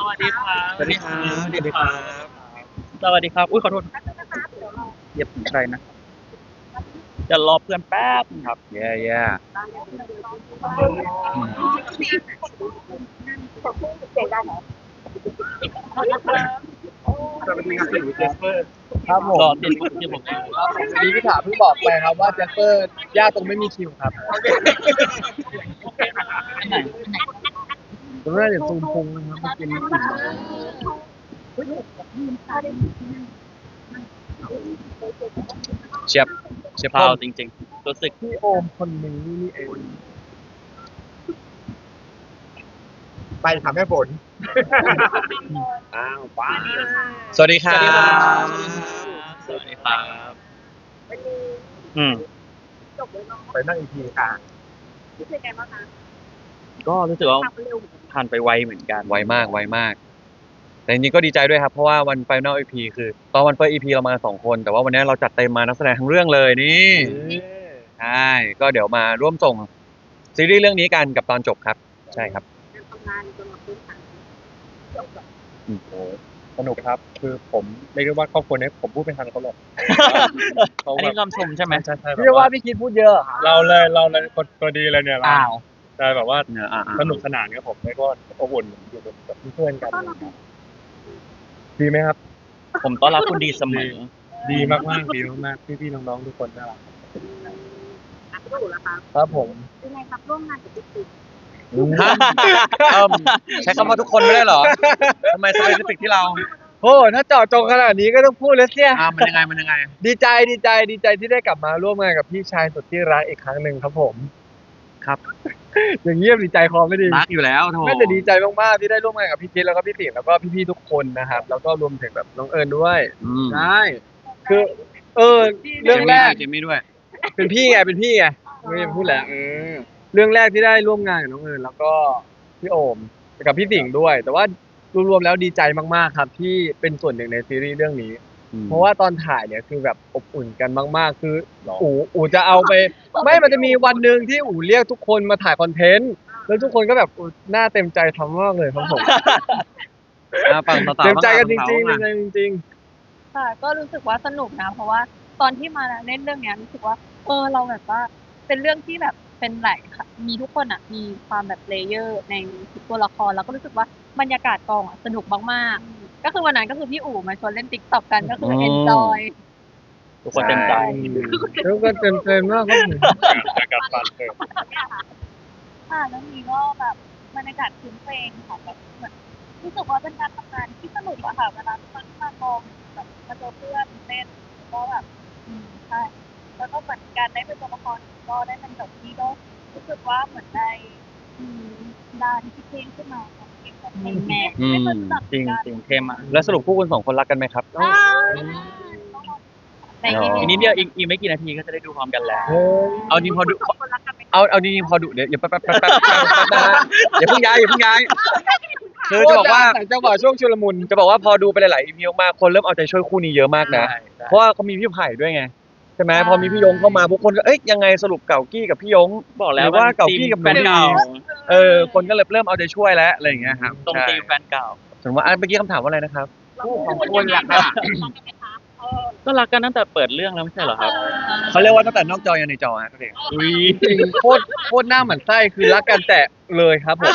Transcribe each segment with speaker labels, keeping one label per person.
Speaker 1: วัสดีครับ
Speaker 2: สวัสดีครับสวัสดีครับ
Speaker 1: สวัสดีครับอุ้ยขอโทษเหยียบถึงใครนะจะรอเพื่อนแป๊บนึงครับ
Speaker 2: แย่แย่อืม
Speaker 3: สวัสดีครับพี่เจสเปอร์
Speaker 2: ครับผม
Speaker 1: รอติดที่ผม
Speaker 2: ครับผมวันนี้พี่ถาเพิ่งบอกไปครับว่าแจ็คเปอร์ยากตรงไม่มีคิวครับ
Speaker 1: อันไหน
Speaker 2: ตรงนั้นเดี๋ยวซูมพุงนะครับมากินอิ่ม
Speaker 3: เชียบเชียบ
Speaker 1: เปล่า
Speaker 3: พ่อ
Speaker 1: จริงๆรู้สึก
Speaker 2: พี่โอมคนนี้นี่เอง
Speaker 3: ไปถามแม่ฝนอ้าวป้าสวัสดีครับ
Speaker 1: สวัสดีครับ อืม
Speaker 3: ไปนั่งอีกทีค่ะ
Speaker 1: ก็รู้สึกว่าผ่านไปไวเหมือนกัน
Speaker 3: ไวมากไวมาก แต่จริงๆก็ดีใจด้วยครับ เพราะว่าวันไฟนอล EP คือตอนวันเฟิร์ส EP เรามา2 คน แต่ว่าวันนี้เราจัดเต็มมานักแสดงทั้งเรื่องเลยนี่ใช่ก็เดี๋ยวมาร่วมส่งซีรีส์เรื่องนี้กันกับตอนจบครับ ใช่ครับ
Speaker 2: โอ้โหสนุกครับ คือผมเรียกได้ว่าครอบครัวนี้ผมพูดไม่ทันเขาหรอกเขา
Speaker 1: อัน
Speaker 2: แบ
Speaker 1: นี้
Speaker 2: บ
Speaker 1: คำชมใช่ไหม
Speaker 2: ใช่ใช่
Speaker 4: พี่ว่าพี่คิดพูดเยอะ
Speaker 2: เราเลยคนตัวดีเลยเนี่ยเรา
Speaker 1: อ้าว
Speaker 2: ใช่แบบว่า
Speaker 1: เนี่ย
Speaker 2: สนุกสนานครับผมแล้วก็อบอุ่นอยู่กับเพื่อนๆกันดีไหมครับ
Speaker 1: ผมต้อนรับคุณดีเสมอ
Speaker 2: ดีมากๆดีมากๆพี่ๆน้องๆทุกคนน่ารักครับผม
Speaker 5: ยังไงครับร่วมงานกับพี่ติ๊ก
Speaker 3: ฮะใช้คำว่าทุกคนไม่ได้เหรอทำไมสเปซิฟิกที่เรา
Speaker 4: โอ้ถ้าเจาะจงขนาดนี้ก็ต้องพูดแล้วเสีย
Speaker 3: มันยังไงมันยังไง
Speaker 4: ดีใจที่ได้กลับมาร่วมงานกับพี่ชายสุดที่รักอีกครั้งหนึ่งครับผม
Speaker 3: ครับ
Speaker 4: อย่างเงียบดีใจคอไม่ดี
Speaker 3: รักอยู่แล้วโถ
Speaker 4: ไม่แต่ดีใจมากๆที่ได้ร่วมงานกับพี่จิ๊ดแล้วก็พี่ติ๋งแล้วก็พี่ๆทุกคนนะครับ แล้วก็รวมถึงแบบน้องเอิญด้วย
Speaker 3: อืม
Speaker 4: ใช่คือเรื่องแรก
Speaker 3: เจมี่ด้วย
Speaker 4: เป็นพี่ไงไม่ได้พูดแล้วเรื่องแรกที่ได้ร่วมงานกับน้องเอิญแล้วก็พี่โอมกับพี่ติ๋งด้วย แต่ว่ารวมๆแล้วดีใจมากๆครับที่เป็นส่วนหนึ่งในซีรีส์เรื่องนี้ เพราะว่าตอนถ่ายเนี่ยคือแบบอบอุ่นกันมากๆ คืออู๋จะเอาไป ไม่มันจะมีวันหนึ่งที่อู๋เรียกทุกคนมาถ่ายคอนเทนต์แล้วทุกคนก็แบบหน้าเต็มใจทำมากเลยครับผม
Speaker 3: ฝั่งสาวๆ
Speaker 4: เต็มใจกันจริงๆ
Speaker 3: ฝั่
Speaker 4: เต็ม
Speaker 3: สาวๆ
Speaker 4: ใจจริง
Speaker 5: ค่ะก็รู้สึกว่าสนุกนะ เพราะว่าตอนที่มาเล่นเรื่องเนี้ยรู้สึกว่าเราแบบว่าเป็นเรื่องที่แบบเป็นหลายค่ะมีทุกคนอ่ะมีความแบบเลเยอร์ในทุกตัวละครแล้วก็รู้สึกว่าบรรยากาศกองอ่ะสนุกมากๆก็คือวันนั้นก็คือพี่อู๋มาชวนเล่นติ๊กต็อกกันก็คือเอนจอย
Speaker 1: ทุกคนเต็มใจ
Speaker 4: ๆแล้วก็เต็มใจมากครับผม
Speaker 2: จะกลับฟันเถอะ
Speaker 5: ค่ะแล้วนี้ก็แบบบรรยากาศคุ้นเพลงค่ะแบบเหมือนรู้สึกว่าเป็นการทำงานที่สนุกอะค่ะเวลาทุกคนมากองแบบมาเจอเพื่อนเล่นก็แบบใช่แล้วก็เหมือนการได้เป็นตัวละครก็ได้เป็นแบบนี้ก็รู้สึกว่าเหมือนได้ด้านที่เพลงขึ้นมาของเพลงแบบเพลงแม่ไม่เคยรู้จัก
Speaker 1: จริงจริงเท่มาก
Speaker 3: แล้วสรุปคู่คุณ2 คนรักกันไหมครับ
Speaker 5: แต่
Speaker 1: อีกนิดเดียวอีกไม่กี่นาทีก็จะได้ดูพร้อมกันแล้ว
Speaker 4: เฮ้ย
Speaker 3: เอาจริงพอดู
Speaker 5: คนรักกันไหม
Speaker 3: เอาจริงพอดูเดี๋ยวอย่าแป๊บนะฮะอย่าเพิ่งย้ายคือจะบอกว่า
Speaker 4: แต่จังหวะช่วงชุลมุน
Speaker 3: จะบอกว่าพอดูไปหลายๆ EP มากคนเริ่มเอาใจช่วยคู่นี้เยอะมากนะ
Speaker 1: ใช่
Speaker 3: เพราะว่าเขามีพี่ไผ่ด้วยไงใช่ไหมพอมีพี่ยงเข้ามาพวกคนก็เอ้ยยังไงสรุปเก่ากี้กับพี่ยง
Speaker 1: บอกแล้ว
Speaker 3: หรือว่าเก่ากี้กับ
Speaker 1: แฟนเก่า
Speaker 3: คนก็เลยเริ่มเอาใจช่วยแล้วอะไรอย่างเงี้ยครับ
Speaker 1: ตรงตีมแฟนเก่า
Speaker 3: สมมติว่าเมื่อกี้คำถามว่าอะไรนะครับ
Speaker 5: คู่ของคนรักกัน
Speaker 1: ก็รักกันตั้งแต่เปิดเรื่องแล้วไม่ใช่เหรอครับ
Speaker 3: เขาเรียกว่าตั้งแต่นอกจอยันในจอฮะทุกท่าน
Speaker 1: อุ้ย
Speaker 4: จริงโคตรหน้าหมันไส้คือรักกันแต่เลยครับผม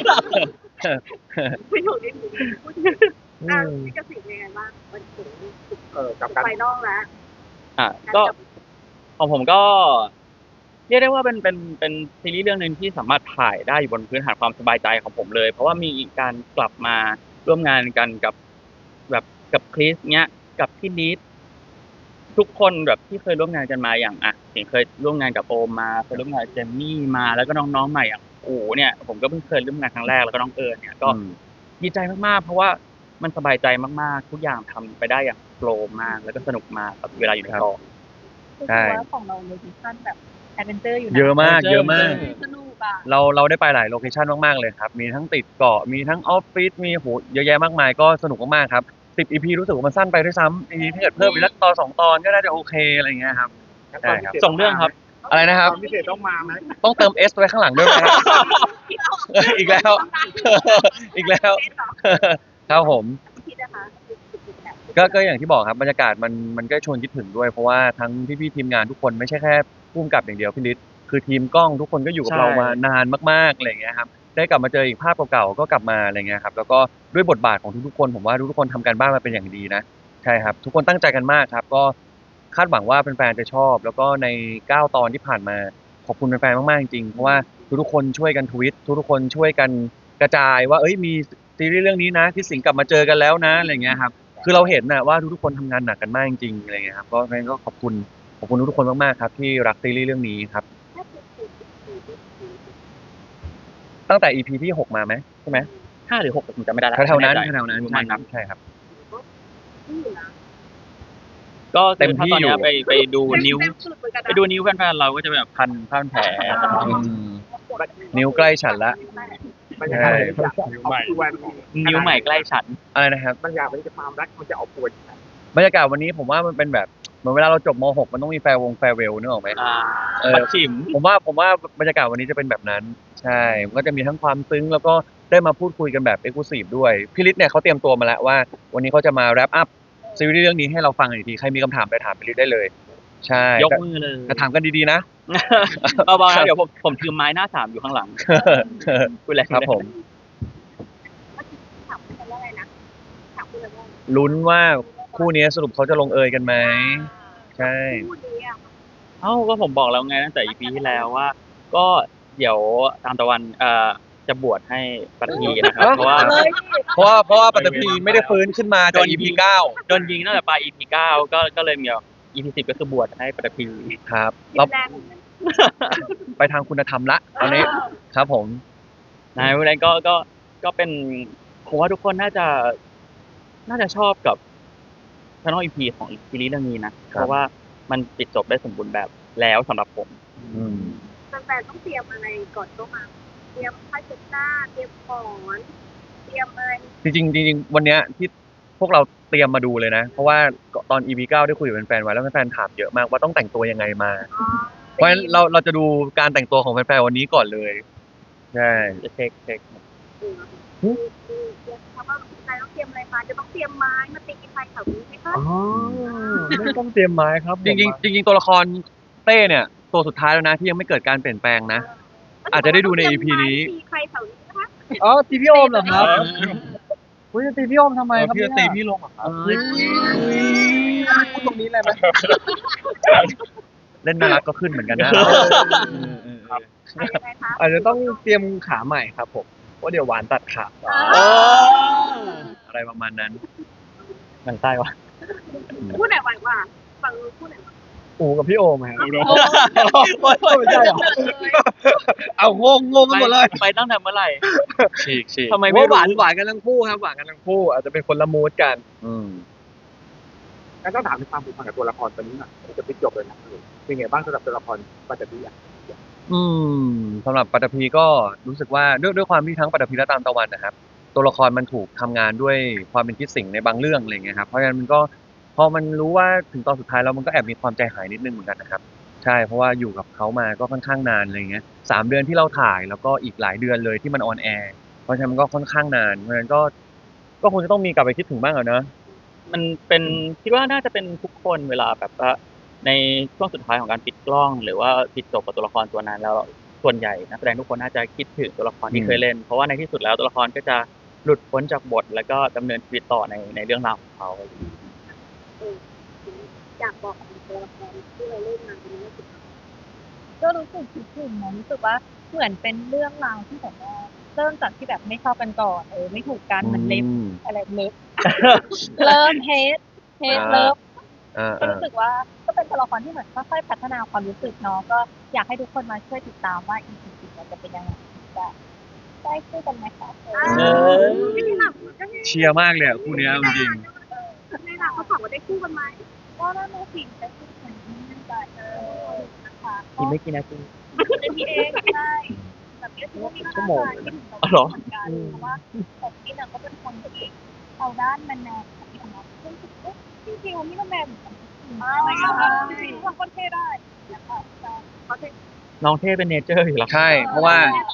Speaker 5: ไม่ถูกนิดนึงพี่กสิทธิ์ยังไงบ้างมันถึง
Speaker 3: กับการ
Speaker 5: ไฟนอลแล้ว
Speaker 1: ก็ของผมก็เรียกได้ว่าเป็นซีรีส์เรื่องหนึ่งที่สามารถถ่ายได้อยู่บนพื้นฐานความสบายใจของผมเลย เพราะว่ามีการกลับมาร่วมงานกันกับแบบกับคริสเนี้ยกับพี่นิดทุกคนแบบที่เคยร่วมงานกันมาอย่างถึงเคยร่วมงานกับโอมมาเคยร่วมงานกับเจมมี่มาแล้วก็น้องๆใหม่อย่างอู๋เนี่ยผมก็เพิ่งเคยร่วมงานครั้งแรกแล้วก็น้องเอิญเนี่ยก็ดีใจมากๆเพราะว่ามันสบายใจมากๆทุกอย่างทำไปได้อย่างโฟลว์มากแล้วก็สนุกมากกับเวลาอยู่ในกอง
Speaker 5: รู้สึกว่าของเราโลเคชั่นแบบแอดเวนเจอร์อยู่นะ
Speaker 3: เยอะมาก
Speaker 5: สนุกอ่ะ
Speaker 3: เราได้ไปหลายโลเคชันมากๆเลยครับ มีทั้งติดเกาะ มีทั้งออฟฟิศ มีโหเยอะแยะมากมายก็สนุกมากๆครับ10 EP รู้สึกว่ามันสั้นไปด้วยซ้ำทีนี้ถ้าเกิดเพิ่มอีกสักตอน2 ตอนก็น่าจะโอเคอะไรอย่างเงี้ยครับใช่ครับ
Speaker 1: ส่งเรื่องครับ
Speaker 3: อะไรนะครับ
Speaker 2: พิเศษต้องมาไหม
Speaker 3: ต้องเติม S ไว้ข้างหลังด้วยไหมครับอีกแล้ว อีกแล้ว ครับผม
Speaker 5: คิดนะคะ
Speaker 3: ก็อย่างที่บอกครับบรรยากาศมันก็ชวนคิดถึงด้วยเพราะว่าทั้งพี่ๆทีมงานทุกคนไม่ใช่แค่ผู้กำกับอย่างเดียวพี่ฤทธิ์คือทีมกล้องทุกคนก็อยู่กับ
Speaker 1: ใช่
Speaker 3: เรามานานมากๆอะไรอย่างเงี้ยครับได้กลับมาเจออีกภาพเก่าๆก็กลับมาอะไรเงี้ยครับแล้วก็ด้วยบทบาทของทุกๆคนผมว่าทุกๆคนทำการบ้านมาเป็นอย่างดีนะใช่ครับทุกคนตั้งใจกันมากครับก็คาดหวังว่าแฟนๆจะชอบ แล้วก็ใน9ตอนที่ผ่านมาขอบคุณแฟนๆมากๆจริงๆเพราะว่าทุกๆคนช่วยกันทวิตทุกๆคนช่วยกันกระจายว่าเอ้ยมีซีรีส์เรื่องนี้นะที่สิงห์กลับมาเจอกันแล้วนะอะไรเงี้ยครับ คือเราเห็นนะว่าทุกๆคนทำงานหนักกันมากจริงๆอะไรเงี้ยครับก็งั้นก็ขอบคุณทุกๆคนมากๆครับที่รักซีรีส์เรื่องนี้ครับตั้งแต่ EP ที่6มาไหมใช่ไหม
Speaker 1: 5 หรือ 6ผมจำไม่ได้แล้ว
Speaker 3: แถวๆนั้น
Speaker 1: ไม่แใจ
Speaker 3: แถวๆนั้น
Speaker 1: ประ
Speaker 3: ใช่
Speaker 1: มาณ
Speaker 3: ครั
Speaker 1: นั้
Speaker 3: บ
Speaker 1: น
Speaker 3: ใช่ครับ
Speaker 1: ก็
Speaker 3: เต็
Speaker 1: คือ
Speaker 3: ม
Speaker 1: ถ้า
Speaker 3: ที่
Speaker 1: ตอนเนี้ย
Speaker 3: อยู่
Speaker 1: ไปดูนิ้ว
Speaker 5: สุดเหมือนกัน
Speaker 1: ไปดูนิ้วแฟนๆเราก็จะแบบพันผ้าพันแผล
Speaker 3: อืมนิ้วใกล้ฉันละ
Speaker 2: บรรยากาศมันจะนิ้วใหม่
Speaker 1: นิ้วใหม่ใกล้ฉัน
Speaker 3: อะไรนะครับ
Speaker 2: บางอย่างมันจะความรักมันจะเอาปวด
Speaker 3: บรรยากาศวันนี้ผมว่ามันเป็นแบบเหมือนเวลาเราจบม .6 มันต้องมีแฟร์เวลนึกออกไหม เออ
Speaker 1: ปัดฉิม
Speaker 3: ผมว่าบรรยากาศวันนี้จะเป็นแบบนั้น ใช่มันก็จะมีทั้งความซึ้งแล้วก็ได้มาพูดคุยกันแบบเอ็กซ์คลูซีฟด้วยพี่ฤทธิ์เนี่ยเขาเตรียมตัวมาแล้วว่า วันนี้เขาจะมาแรปอัพซีรีส์เรื่องนี้ให้เราฟังอีกทีใครมีคำถามไปถามพี่ฤทธิ์ได้เลย ใช่
Speaker 1: ยกมือเลย
Speaker 3: แต่ถามกันดีๆนะ
Speaker 1: เบาๆนะเดี๋ยวผมถือไม้หน้า3อยู่ข้างหลังพูดอะไร
Speaker 3: ครับผม
Speaker 5: ถามคุณว่าอะไรนะถามคุณว่า
Speaker 3: ลุ้นว่าคู่นี้สรุปเขาจะลงเอยกันไหมใช่
Speaker 5: พูดดีอ่ะ
Speaker 1: เอ้าก็ผมบอกแล้วไงตั้งแต่ EP ที่แล้วว่า ก็เดี๋ยวตามตะวันจะบวชให้ปัตตีนะครับ เพราะว่า
Speaker 3: เพราะว่าปัตตภีไม่ได้ฟื้นขึ้นมาจาก EP 9
Speaker 1: โดนยิงตั้งแต่ปลาย EP 9ก็เลยมีแบบ EP 10ก็คือบวชให้ปัตตี
Speaker 3: ครับ
Speaker 5: กิ
Speaker 3: เรา
Speaker 5: นแรง
Speaker 3: ไปทางคุณธรรมละตอนนี้ครับผม
Speaker 1: นายวันนั้นก็เป็นผมว่าทุกคนน่าจะชอบกับช anel EP ของซีรีส์เรื่องนี้นะ
Speaker 3: ค
Speaker 1: เพ
Speaker 3: รับ
Speaker 1: ราะว่ามันปิดจบได้สมบูรณ์แบบแล้วสำหรับผม
Speaker 3: อืม
Speaker 5: แฟนๆต้องเตรียมอะไรก่อนเข้ามาเตรียมผ้าเช็ดหน้าเตรียมของเตรียมอะไร
Speaker 3: จริงๆวันเนี้ยที่พวกเราเตรียมมาดูเลยนะ เพราะว่าตอน EP 9ได้คุยกับแฟนๆไว้แล้วแฟนๆถามเยอะมากว่าต้องแต่งตัวยังไงมา เพราะฉะนั้นเราจะดูการแต่งตัวของแฟนๆวันนี้ก่อนเลยใช่
Speaker 1: จะเช็ค
Speaker 5: เตรียมเพราะว่าใครต้องเตรียมอะไรมาจะต้องเตรียมไม้มาตีใครแถวนี้ไหมคะ
Speaker 4: อ๋อไม่ต้องเตรียมไม้ครับ
Speaker 3: จริงๆตัวละครเต้เนี่ยตัวสุดท้ายแล้วนะที่ยังไม่เกิดการเปลี่ยนแปลงนะ อาจจะได้ดูใน EP นี้
Speaker 5: ตีใครแถวนี้นะคะ
Speaker 4: อ๋อตีพี่โอมเหรอครับคุณจะตีพี่โอมทำไมครับ
Speaker 3: พี่
Speaker 4: เนี่ย
Speaker 3: ตีพี่ลงเหรอครับ
Speaker 4: พูดตรงนี้เลยไหม
Speaker 3: เล่นน่ารักก็ขึ้นเหมือนกันนะ
Speaker 5: อะไรคะ
Speaker 4: อาจจะต้องเตรียมขาใหม่ครับผมเพราะเดี๋ยวหวานตัดขา
Speaker 3: อะไรประมาณนั้น
Speaker 1: หนังใต้วะ
Speaker 5: พูดไหนไหวกว่าฟังพูดไหนไหว
Speaker 4: อูกับพี่โอมครับ
Speaker 1: ไม่ใช่หรอ
Speaker 4: เอางงกันหมดเลย
Speaker 1: ไปตั้งแต่เมื่อไหร่
Speaker 3: ฉีก
Speaker 1: ทำไม
Speaker 4: ไม่
Speaker 1: ไม่
Speaker 4: หวาน
Speaker 1: รู้
Speaker 4: หวานกันทั้งคู่ครับหวานกันทั้งคู่ อาจจะเป็นคนละมูดกัน
Speaker 3: อืม
Speaker 2: งั้นต้องถามถึงความผูกพันกับตัวละครตัวนี้หน่อยจะปิดจบเลยนะเป็นไงบ้างสำหรับตัวละครปัตตพีอ่ะ
Speaker 3: อืมสำหรับปัตตภีก็รู้สึกว่าด้วยความที่ทั้งปัตตภีและตามตะวันนะครับ ตัวละครมันถูกทำงานด้วยความเป็นคิดสิ่งในบางเรื่องอะไรเงี้ยครับเพราะฉะนั้นมันก็พอมันรู้ว่าถึงตอนสุดท้ายแล้วมันก็แอบมีความใจหายนิดนึงเหมือนกันนะครับ ใช่เพราะว่าอยู่กับเขามาก็ค่อนข้างนานอะไรเงี้ย3 เดือนที่เราถ่ายแล้วก็อีกหลายเดือนเลยที่มันออนแอร์เพราะฉะนั้นมันก็ค่อนข้างนานเพราะฉะนั้นก็คงจะต้องมีกลับไปคิดถึงบ้างอะเนอะ
Speaker 1: มันเป็นคิดว่าน่าจะเป็นทุกคนเวลาแบบว่าในช่วงสุดท้ายของการปิดกล้อง หรือว่าปิดจบกับตัวละครตัวนั้นแล้วส่วนใหญ่นักแสดงทุกคนน่าจะคิดถึงตัวละครที่เคยเล่น เพราะว่าในที่สุดแล้วตัวละครก็จะหลุดพ้นจากบท แล้วก็ดำเนินชีวิตต่อในเรื่องราวของเขา
Speaker 5: อยากบอกกับตัวละครที่เราเล่นมาเป็นเรื่องสุดท้ายก็รู้สึกคิดถึงนะรู้สึกว่าเหมือนเป็นเรื่องราวที่แบบว่าเริ่มจากที่แบบไม่ชอบกันก่อนไม่ถูกกันมันเล็บอะไรเล็บ เริ่มเฮดเลิฟ ก็รู้สึกว่าก็เป็นตัวละครที่เหมือนค่อยๆพัฒนาความรู้สึกเนาะก็อยากให้ทุกคนมาช่วยติดตามว่า EP 10จะเป็นยังไงจะได้คู่กันไหมคะไม่ได้หลับ
Speaker 3: เชียร์มากเลยอะคู่เนี้ยจริง
Speaker 5: ไม่หลับเขาถามว่าได้คู่กันไหมก็น่าจะสิได้คู่กันนั่นแหละนะคะ
Speaker 1: อีกไม่กี่นาที
Speaker 5: เป็นพี่เองใช่แบบนี้ถือว่ามีชั่วโมงที่ถึงเราเหมือนกันเพราะว่าแต่พี่น่ะก็เป็นคนที่เอาด้านแมนๆของพี่ของเราซึ่งจริงๆวันนี้ก็แมนเหมือนกันอะไรอย่างเงี้ยจริงๆความคนเท่ได้นะคะเขาจะ
Speaker 1: น้องเท่เป็นเนเจอร์อยู่แล้ว
Speaker 3: ใช่เพราะว่า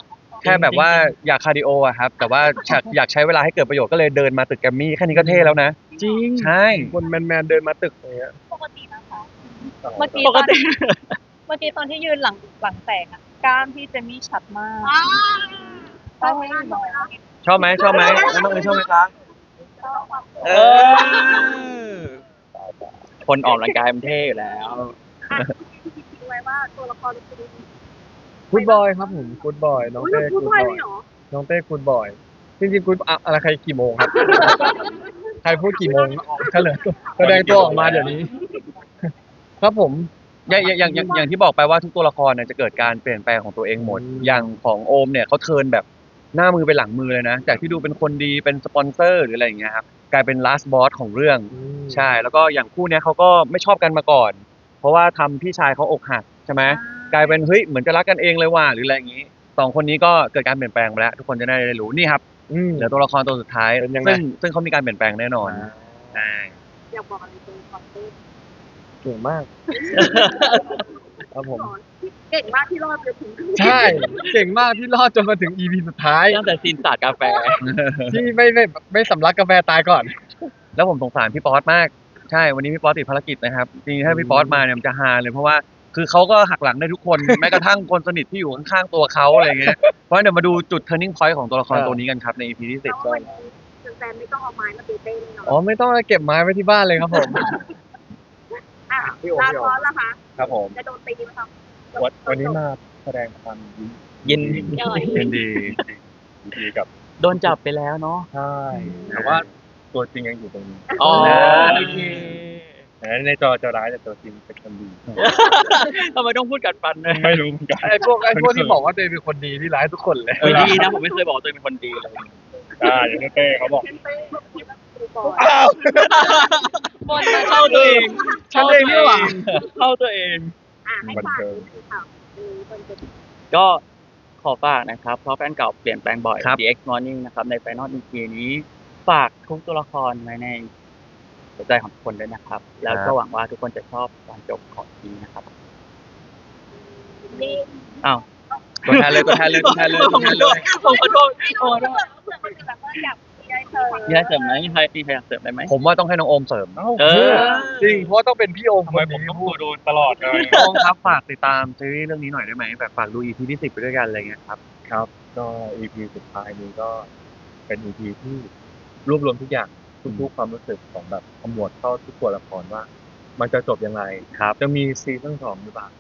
Speaker 3: แค่แบบว่าอยากคาร์ดิโออะครับ แต่ว่าอยากใช้เวลาให้เกิดประโยชน์ก็เลยเดินมาตึกแกรมมี่แค่นี้ก็เท่แล้วนะ
Speaker 1: จริง
Speaker 3: ใช่
Speaker 4: คนแมนๆเดินมาตึกอย่างเงี้ย
Speaker 5: ปกตินะคะ
Speaker 6: เมื่อกี้
Speaker 1: ป
Speaker 6: ต
Speaker 1: ก
Speaker 6: อน
Speaker 1: ติ
Speaker 6: เมื่อกี้ตอนที่ยืนหลังแตกอะกล้ามพี่เจมี่ชัดมาก
Speaker 5: ชอบไหมล่ะน้อย
Speaker 3: ชอบไหมแล้วน้องเอ๋ยชอบไหมคะ
Speaker 1: เออ คนออกกำลังกายมันเท่อยู่แล้ว
Speaker 5: คิดไว้ว่าตัวละครเป็น
Speaker 4: กูดบอยครับผมกูดบอยน้องเต้กูดบอยน้องเต้กูดบอยจริงๆกูดอะไรใครกี่โมงครับ ใครพูดกี่โมงเฉลยแสดงตัวออกมาเดี๋ยวนี้ ครับผม
Speaker 3: อย่างที่บอกไปว่าทุกตัวละครเนี่ยจะเกิดการเปลี่ยนแปลงของตัวเองหมด อย่างของโอมเนี่ยเขาเทิร์นแบบหน้ามือเป็นหลังมือเลยนะ จากที่ดูเป็นคนดีเป็นสปอนเซอร์หรืออะไรอย่างเงี้ยครับกลายเป็น last boss ของเรื่อง ใช่ แล้วก็อย่างคู่เนี้ยเขาก็ไม่ชอบกันมาก่อน เพราะว่าทำพี่ชายเขาอกหักใช่ไหมกลายเป็นเฮ้ยเหมือนจะรักกันเองเลยว่ะหรืออะไรอย่างงี้สองคนนี้ก็เกิดการเปลี่ยนแปลงไปแล้ว ทุกคนจะได้รู้นี่ครับ เหลือตัวละครตัวสุดท้าย
Speaker 4: เป็นยังไง
Speaker 3: ซึ่งเขามีการเปลี่ยนแปลงแน่นอนใช่
Speaker 5: อยากบอกอะไรตัวละครเต้
Speaker 4: เก่งมาก ครับผม
Speaker 5: เก่งมากที่รอดไปถึง
Speaker 4: ใช่ เก่งมากที่รอดจนมาถึง EP สุดท้าย
Speaker 1: ตั้งแต่ซีนสาดกาแฟ
Speaker 4: ที่ไม่สำลักกาแฟตายก่อน
Speaker 3: แล้วผมสงสารพี่ป๊อตมาก ใช่ วันนี้พี่ป๊อตติดภารกิจนะครับ จริงๆถ้าพี่ป๊อตมาเนี่ยมันจะฮาเลยเพราะว่าคือเขาก็หักหลังได้ทุกคน แม้กระทั่งคนสนิทที่อยู่ข้างๆตัวเขาอะไรเงี้ย เพราะฉะนั้นเดี๋ยวมาดูจุด turning point ของตัวละครตัวนี้กันครับใน EP ที่10
Speaker 5: แล้ววันนี้แฟนๆไม่ต้องเอาไม้มาตีเต้แน่นอน
Speaker 4: อ๋อไม่ต้องเก็บไม้ไว้ที่บ้านเลยครับผม
Speaker 5: อ่ะ
Speaker 2: พี่โอ
Speaker 5: ลา
Speaker 2: พี่
Speaker 5: พ
Speaker 2: โอ
Speaker 5: อสล่ะคะ
Speaker 2: ครับผม
Speaker 5: จะโดนตีไหมครับ
Speaker 2: วันนี้มาแสดงความยิ
Speaker 1: ยิน
Speaker 3: ยินดี
Speaker 2: ดีกับ
Speaker 1: โดนจับไปแล้วเนาะ
Speaker 2: ใช่แต่ว่าตัวจริงยังอยู่ตรงนี้
Speaker 1: อ๋อ
Speaker 2: โอ
Speaker 1: โอ
Speaker 2: เค
Speaker 1: เค
Speaker 2: ในจอจะร้ายแต่ตัวจริงเป็นคนดี
Speaker 1: ทำไมต้องพูดกัดฟันด้วย
Speaker 2: ไม่รู้เหมือนกัน
Speaker 4: ไอ้พวกที่บอกว่าตัวเองเป็นคนดีที่ร้ายทุกคนเลย
Speaker 1: เฮ้ยดีนะผมไม่เคยบอกว่าตัวเองเป็นคนดีเลย
Speaker 2: อย่างเต้เขาบอก
Speaker 5: เต้เต้บอกคิดว่าตีก่อน
Speaker 6: บนมา
Speaker 1: เข้าตัวเอง
Speaker 4: ฉันเองนี่หว่า
Speaker 1: เข้าตัวเอง
Speaker 5: อ่ะให้ฝากนิดนึงค่ะคนจะ
Speaker 1: ก็ขอฝากนะครับ เพราะแฟนเก่าเปลี่ยนแปลงบ่อย
Speaker 3: ครับ
Speaker 1: The X Morning นะครับใน Final EP นี้ ฝากทุกตัวละครไว้ในหัวใจของทุกคนด้วยนะครับ แล้วก็หวังว่าทุกคนจะชอบการจบของทีนะครับ
Speaker 5: นี่
Speaker 1: อ้าว
Speaker 3: ตัวแทนเลยตัวแทนเลยตัวแทนเลยตัวแทนเลย
Speaker 1: ผมขอโทษ
Speaker 5: เผื่อคนอื่นแบบว่าอยากมีอะไรเสริม
Speaker 1: มีอะไรเสริมไหมมีใครอยากเสริมได้ไหม
Speaker 3: ผมว่าต้องให้น้องโอมเสริม
Speaker 1: เออ
Speaker 4: จริงเพราะว่าต้องเป็นพี่โอม
Speaker 2: ทำ
Speaker 4: ค
Speaker 2: ไม
Speaker 4: น
Speaker 2: ผม
Speaker 4: นี้
Speaker 2: ต้อง
Speaker 4: พูด
Speaker 2: โดนตลอดเลย
Speaker 3: น้องครับฝากติดตามซีรีส์เรื่องนี้หน่อยได้ไหมแบบฝากดู EP ที่ 10ไปด้วยกันอะไรเงี้ยครับ
Speaker 2: ครับก็ EP สุดท้ายนี้ก็เป็น EP ที่รวบรวมทุกอย่างทุกๆความรู้สึกของแบบขมวดเข้าทุกตัวละครว่า มันจะจบยังไง
Speaker 3: ครับ
Speaker 2: จะมีซีซั่น2หรือเปล่า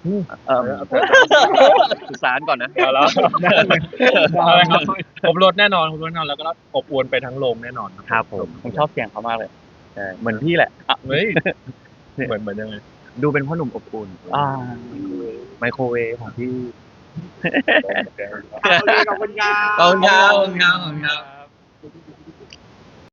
Speaker 3: สื่อสารก่อนนะ
Speaker 2: เอาแล้วผมลดแน่นอนผมลดแน่นอนแล้วก็อบอวลไปทั้งโรงแน่นอน
Speaker 3: ครับผม
Speaker 1: ผมชอบเสียงเขามากเลย
Speaker 3: ใช่เหมือนพี่แหละ
Speaker 2: เฮ้ยเหมือนยังไง
Speaker 3: ดูเป็นพ่อหนุ่มอบอุ่น
Speaker 1: อ่า
Speaker 3: ไมโครเวฟของพี่
Speaker 5: ขอบคุณครับ
Speaker 3: ขอบคุณครับขอบคุณครับ